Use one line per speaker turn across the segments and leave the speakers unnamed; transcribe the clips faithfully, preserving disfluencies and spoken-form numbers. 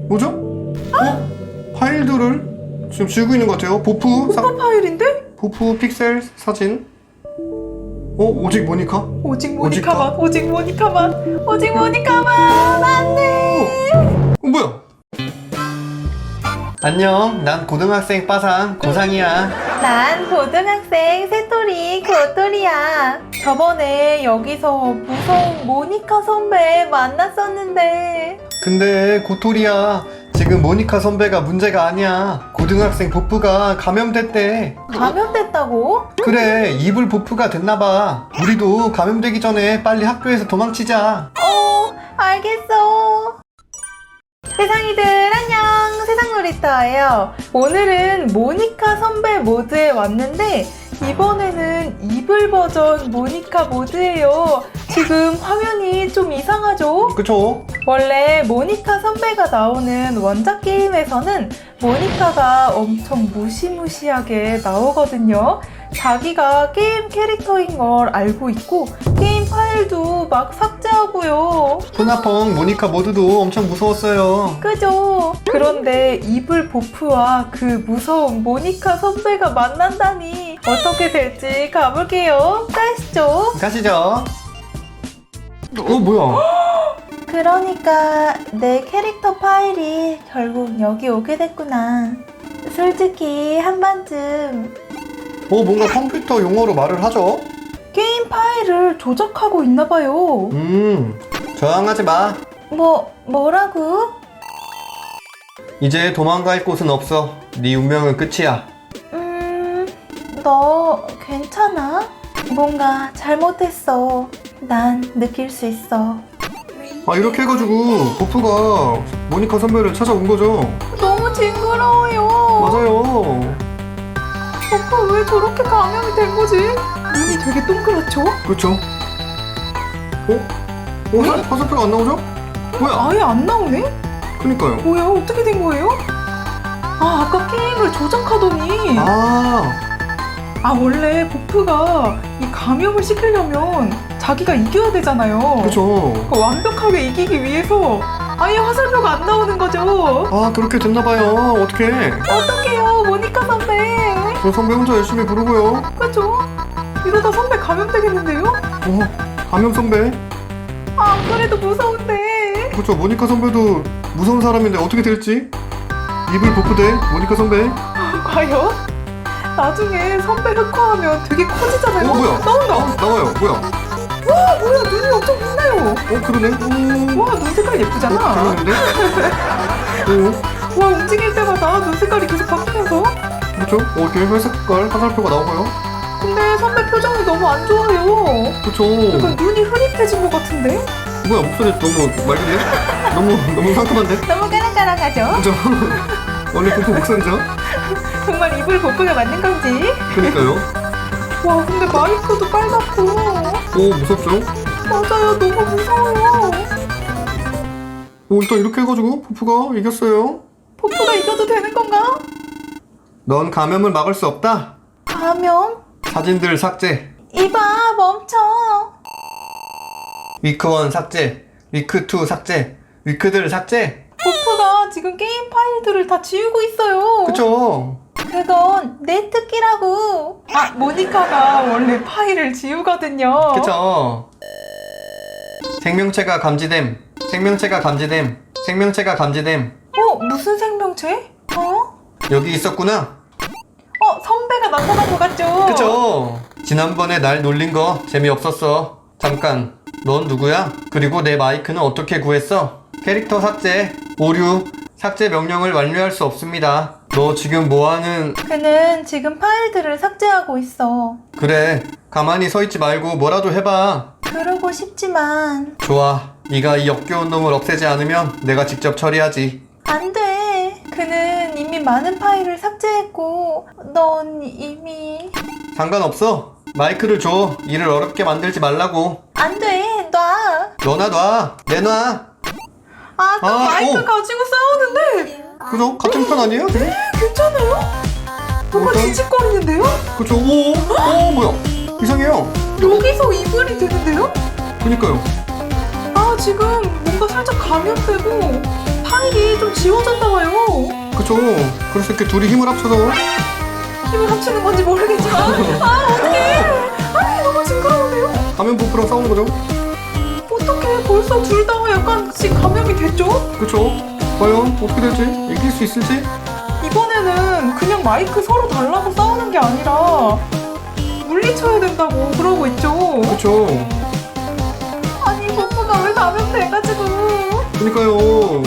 뭐죠? 어? 파일들을 지금 지우고 있는 것 같아요. 보프 사,
오빠 파일인데?
보프 픽셀 사진. 어? 오직 모니카?
오직 모니카만, 오직 모니카만, 오직 모니카만. 안돼.
어, 뭐야? 안녕, 난 고등학생 빠상 고상이야.
난 고등학생 새토리 고토리야. 저번에 여기서 무서운 모니카 선배 만났었는데.
근데 고토리야, 지금 모니카 선배가 문제가 아니야. 고등학생 보프가 감염됐대.
감염됐다고?
그래, 이불 보프가 됐나봐. 우리도 감염되기 전에 빨리 학교에서 도망치자.
어, 알겠어. 세상이들 안녕, 세상놀이터예요. 오늘은 모니카 선배 모드에 왔는데 이번에는 이불 버전 모니카 모드예요. 지금 화면이 좀 이상하죠?
그쵸?
원래 모니카 선배가 나오는 원작 게임에서는 모니카가 엄청 무시무시하게 나오거든요. 자기가 게임 캐릭터인 걸 알고 있고 게임 파일도 막 삭제하고요.
토나펑 모니카 모두도 엄청 무서웠어요.
그죠? 그런데 이불 보프와 그 무서운 모니카 선배가 만난다니 어떻게 될지 가볼게요. 가시죠.
가시죠. 어, 뭐야?
그러니까 내 캐릭터 파일이 결국 여기 오게 됐구나. 솔직히 한 번쯤
어, 뭔가 컴퓨터 용어로 말을 하죠?
게임 파일을 조작하고 있나봐요.
음, 저항하지 마.
뭐, 뭐라고?
이제 도망갈 곳은 없어. 네 운명은 끝이야.
음, 너 괜찮아? 뭔가 잘못했어. 난 느낄 수 있어.
아, 이렇게 해가지고 보프가 모니카 선배를 찾아온 거죠.
너무 징그러워요.
맞아요.
오빠 왜 저렇게 감염이 된 거지? 눈이 되게 동그랗죠?
그렇죠. 어? 어? 화- 화살표가 안 나오죠? 뭐야?
아예 안 나오네?
그니까요.
뭐야? 어떻게 된 거예요? 아, 아까 게임을 조작하더니
아,
아, 원래 보프가 이 감염을 시키려면 자기가 이겨야 되잖아요.
그쵸.
그 완벽하게 이기기 위해서 아예 화살표가 안 나오는 거죠.
아, 그렇게 됐나봐요. 어떡해.
어떡해요, 모니카 선배.
저 선배 혼자 열심히 부르고요.
그죠? 이러다 선배 감염되겠는데요?
어, 감염 선배.
아, 안 그래도 무서운데.
그쵸, 모니카 선배도 무서운 사람인데 어떻게 될지. 이불 보프 대 모니카 선배.
과연? 나중에 선배 흑화하면 되게 커지잖아요.
어, 뭐야?
나온다.
어, 나와요. 뭐야?
와, 뭐야, 눈이 엄청 빛나요.
어, 그러네. 오,
와, 눈 색깔
어,
예쁘잖아.
잘하는데? 오,
와, 움직일 때마다 눈 색깔이 계속 바뀌면서.
그렇죠? 어, 이렇게 회색깔 화살표가 나오고요.
근데 선배 표정이 너무 안 좋아요.
그쵸.
약간 눈이 흐릿해진 것 같은데?
뭐야, 목소리 너무 맑은데? 너무, 너무 상큼한데?
너무 까랑까랑하죠?
그죠? 원래 보프 목소리죠?
정말 이불 보프가 맞는 건지.
그니까요.
와, 근데 마이크도 빨갛고.
오, 무섭죠?
맞아요, 너무 무서워요.
오, 일단 이렇게 해가지고 보프가 이겼어요.
보프가 이겨도 되는 건가?
넌 감염을 막을 수 없다.
감염?
사진들 삭제.
이봐, 멈춰.
위크일 삭제. 위크이 삭제. 위크들 삭제.
보프가 지금 게임 파일들을 다 지우고 있어요.
그쵸?
그건 내 특기라고. 아, 모니카가 원래 파일을 지우거든요.
그쵸? 생명체가 감지됨. 생명체가 감지됨. 생명체가 감지됨.
어, 무슨 생명체? 어?
여기 있었구나.
어, 선배가 나타난 것 같죠?
그쵸? 지난번에 날 놀린 거 재미없었어. 잠깐, 넌 누구야? 그리고 내 마이크는 어떻게 구했어? 캐릭터 삭제, 오류, 삭제 명령을 완료할 수 없습니다. 너 지금 뭐하는...
그는 지금 파일들을 삭제하고 있어.
그래, 가만히 서 있지 말고 뭐라도 해봐.
그러고 싶지만
좋아, 네가 이 역겨운 놈을 없애지 않으면 내가 직접 처리하지.
안 돼. 그는 이미 많은 파일을 삭제했고 넌 이미...
상관없어. 마이크를 줘. 일을 어렵게 만들지 말라고.
안 돼. 놔.
너나 놔. 내놔.
아, 또
아,
마이크
오.
가지고 싸우는데.
그죠? 같은 편 아니에요?
괜찮아요? 뭔가
어떤?
지직거리는데요?
그쵸? 오, 오, 뭐야? 이상해요.
여기서 이불이 되는데요?
그니까요.
아, 지금 뭔가 살짝 감염되고 파일 파일이 좀 지워졌나봐요.
그쵸. 그래서 이렇게 둘이 힘을 합쳐서
힘을 합치는 건지 모르겠지만 아 어떡해. 아 너무 징그러운데요?
감염 버프랑 싸우는 거죠.
어떡해 벌써 둘 다 약간씩 감염이 됐죠?
그쵸. 과연 어떻게 될지, 이길 수 있을지.
이번에는 그냥 마이크 서로 달라고 싸우는 게 아니라 물리쳐야 된다고 그러고 있죠.
그쵸.
아니 버프가 왜 감염돼가지고.
그니까요.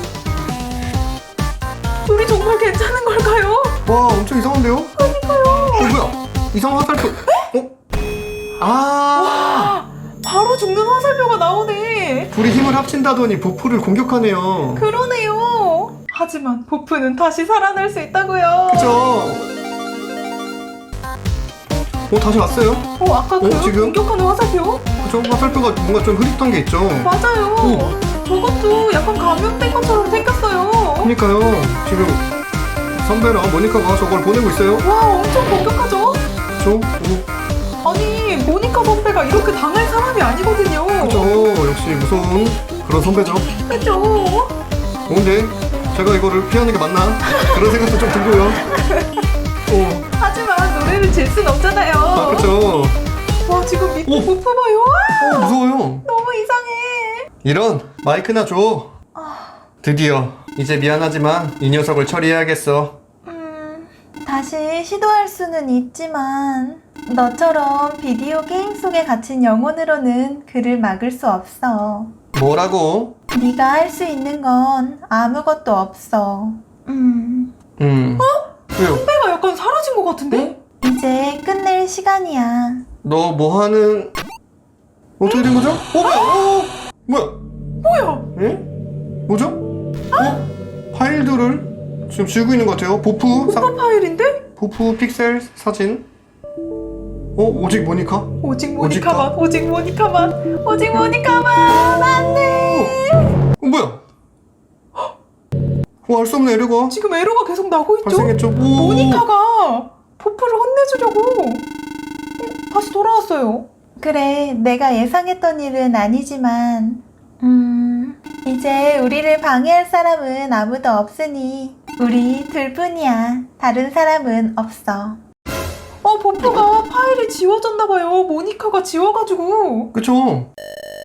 우리 정말 괜찮은 걸까요?
와, 엄청 이상한데요?
그러니까요.
어, 뭐야? 이상한 화살표. 어? 아!
바로 죽는 화살표가 나오네.
둘이 힘을 합친다더니 버프를 공격하네요.
그러네요. 하지만 버프는 다시 살아날 수 있다고요.
그쵸. 어, 다시 왔어요?
어 아까 그
어, 지금?
공격하는 화살표?
그쵸? 화살표가 뭔가 좀 흐릿한 게 있죠?
맞아요.
오.
저것도 약간 감염된 것처럼 생겼어요.
그니까요. 지금 선배랑 모니카가 저걸 보내고 있어요.
와 엄청 공격하죠?
그쵸? 오,
아니 모니카 선배가 이렇게 당할 사람이 아니거든요.
그쵸. 역시 무서운 그런 선배죠.
그죠?
어, 근데 제가 이거를 피하는 게 맞나? 그런 생각도 좀 들고요. 어,
하지만 노래를 질 순 없잖아요.
아, 그쵸.
와 지금 밑에
오.
버프 봐요. 와,
어, 무서워요.
너무 이상해.
이런, 마이크나 줘. 드디어 이제 미안하지만 이 녀석을 처리해야겠어.
음, 다시 시도할 수는 있지만 너처럼 비디오 게임 속에 갇힌 영혼으로는 그를 막을 수 없어.
뭐라고?
네가 할 수 있는 건 아무것도 없어. 음,
음. 왜요?
선배가 약간 사라진 것 같은데?
이제 끝낼 시간이야.
너 뭐 하는... 어떻게 된 거죠? 어, 뭐야? 어, 뭐야?
뭐야?
예? 뭐죠? 어? 파일들을 지금 지우고 있는 것 같아요. 보프, 사,
버프 파일인데?
보프 픽셀 사진. 어? 오직 모니카?
오직 모니카만, 오직 모니카만, 오직 모니카만. 안돼.
어, 뭐야? 어, 알 수 없네, 에러가.
지금 에러가 계속 나고 있죠?
발생했죠? 오.
모니카가 버프를 혼내주려고 어, 다시 돌아왔어요.
그래, 내가 예상했던 일은 아니지만 음, 이제 우리를 방해할 사람은 아무도 없으니 우리 둘뿐이야. 다른 사람은 없어.
어, 버프가 파일이 지워졌나봐요. 모니카가 지워가지고.
그쵸?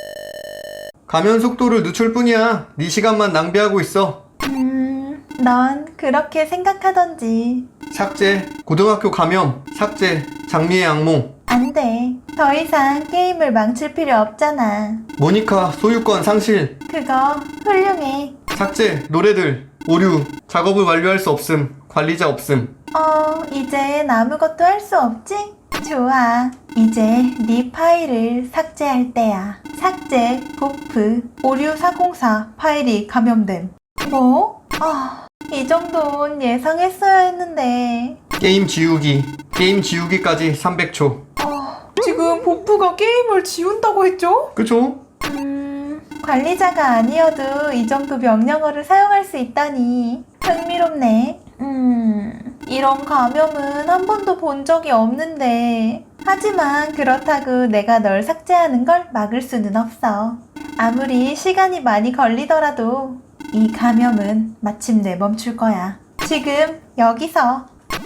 가면 속도를 늦출 뿐이야. 네 시간만 낭비하고 있어.
음, 넌 그렇게 생각하던지.
삭제, 고등학교 감염, 삭제, 장미의 악몽.
안 돼. 더 이상 게임을 망칠 필요 없잖아.
모니카 소유권 상실,
그거 훌륭해.
삭제, 노래들, 오류, 작업을 완료할 수 없음, 관리자 없음.
어, 이젠 아무것도 할 수 없지? 좋아. 이제 네 파일을 삭제할 때야. 삭제, 보프, 오류사공사 파일이 감염됨. 뭐? 아, 이 정도는 예상했어야 했는데.
게임 지우기, 게임 지우기까지 삼백 초.
어,
지금 버프가 게임을 지운다고 했죠?
그쵸?
음, 관리자가 아니어도 이 정도 명령어를 사용할 수 있다니 흥미롭네. 음, 이런 감염은 한 번도 본 적이 없는데. 하지만 그렇다고 내가 널 삭제하는 걸 막을 수는 없어. 아무리 시간이 많이 걸리더라도 이 감염은 마침내 멈출 거야. 지금 여기서.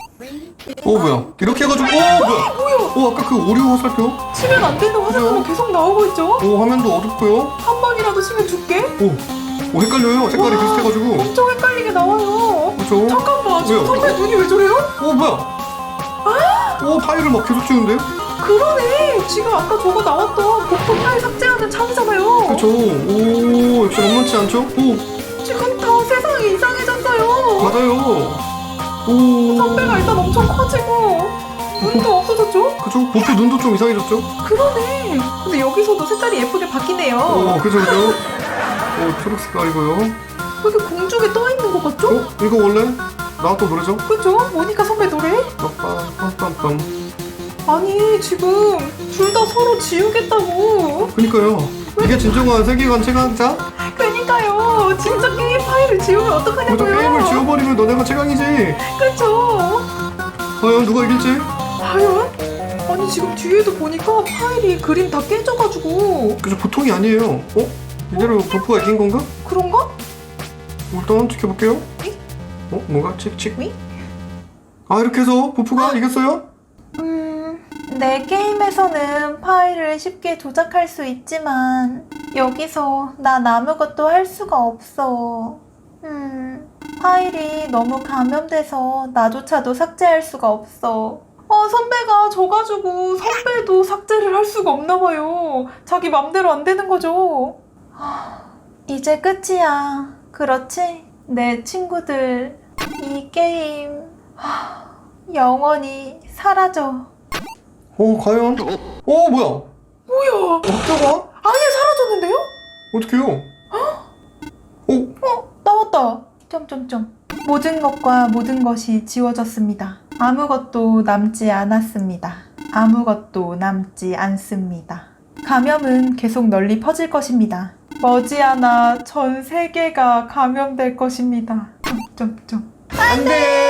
어 뭐야? 이렇게 해가지고 어 뭐야? 어 아까 그 오류 화살표?
치면 안 되는 화살표가 계속 나오고 있죠?
어 화면도 어둡고요.
한 번이라도 치면 죽게?
오, 오 헷갈려요. 색깔이
와,
비슷해가지고.
엄청 헷갈리게 나와요.
그쵸?
잠깐만, 지금
왜요?
선배 눈이 왜 저래요?
어 뭐야? 오 파일을 막 계속 지우는데?
그러네. 지금 아까 저거 나왔던 버프 파일 삭제하는 창이잖아요.
그쵸? 오 역시 만만치 않죠? 오
지금 다 세상이 이상해졌어요.
맞아요. 오
선배가 일단 엄청 커지고 눈도 없어졌죠?
그쵸? 보프 눈도 좀 이상해졌죠?
그러네. 근데 여기서도 색깔이 예쁘게 바뀌네요.
오 그죠 그죠? 오 초록 색깔이고요.
왜 이렇게 공중에 떠 있는 것 같죠?
어? 이거 원래 나왔던 노래죠?
그죠? 모니카 선배 노래?
빰빰빰빰.
아니 지금 둘 다 서로 지우겠다고.
그니까요. 이게 진정한 세계관 최강자?
그러니까요. 진짜 게임 파일을 지우면
먼저
어떡하냐고요.
게임을 지워버리면 너네가 최강이지.
그쵸?
과연 누가 이길지?
과연? 아니 지금 뒤에도 보니까 파일이 그림 다 깨져가지고.
그죠 보통이 아니에요. 어? 이대로 버프가 이긴 건가?
그런가?
일단 지켜볼게요. 어? 뭔가 칙칙?
위?
아, 이렇게 해서 보프가 이겼어요?
음, 내 게임에서는 파일을 쉽게 조작할 수 있지만 여기서 난 아무것도 할 수가 없어. 음, 파일이 너무 감염돼서 나조차도 삭제할 수가 없어.
아, 선배가 져가지고 선배도 삭제를 할 수가 없나 봐요. 자기 맘대로 안 되는 거죠.
이제 끝이야. 그렇지? 내 친구들, 이 게임 하, 영원히 사라져.
어, 과연? 어, 뭐야?
뭐야?
어쩌가?
아예 사라졌는데요?
어떡해요? 어?
나왔다. 점점점. 모든 것과 모든 것이 지워졌습니다. 아무것도 남지 않았습니다. 아무것도 남지 않습니다. 감염은 계속 널리 퍼질 것입니다. 머지않아 전 세계가 감염될 것입니다. 점점점.
안 돼!